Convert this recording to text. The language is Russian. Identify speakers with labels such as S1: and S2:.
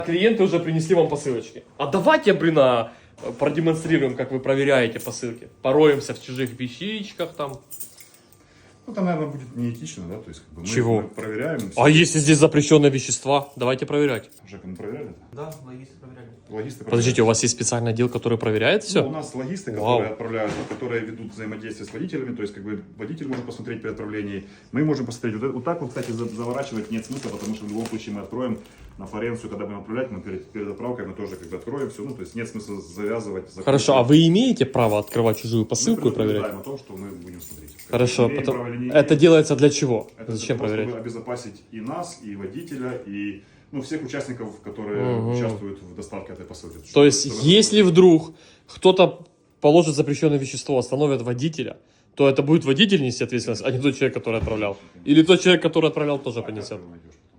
S1: Клиенты уже принесли вам посылочки. А давайте, блин, продемонстрируем, как вы проверяете посылки. Пороемся в чужих вещичках там.
S2: Ну, там, наверное, будет неэтично, да? То есть, как бы
S1: Чего?
S2: мы проверяем.
S1: А если здесь запрещенные вещества? Давайте проверять.
S2: Жека, мы проверяли это?
S3: Да, логисты проверяли.
S2: Логисты
S1: Подождите, у вас есть специальный отдел, который проверяет все?
S2: Ну, у нас логисты,
S1: Вау.
S2: которые отправляют, которые ведут взаимодействие с водителями, то есть как бы водитель может посмотреть при отправлении, мы можем посмотреть. Вот так вот, кстати, заворачивать нет смысла, потому что в любом случае мы откроем на форенцию, когда будем отправлять, мы перед отправкой мы тоже как бы откроем все, ну то есть нет смысла завязывать.
S1: Хорошо, а вы имеете право открывать чужую
S2: мы
S1: посылку и проверять?
S2: предупреждаем о том, что мы будем смотреть.
S1: Хорошо,
S2: Имеем
S1: потом...
S2: право или не
S1: это
S2: имеем.
S1: делается для чего?
S2: Это
S1: Зачем
S2: для того,
S1: проверять?
S2: чтобы обезопасить и нас, и водителя, и ну, всех участников, которые участвуют в доставке этой посылки.
S1: То есть, если вдруг кто-то положит запрещенное вещество, остановит водителя, то это будет водитель нести ответственность, а не тот человек, который отправлял. Или тот человек, который отправлял, тоже понесет.
S2: Найдешь.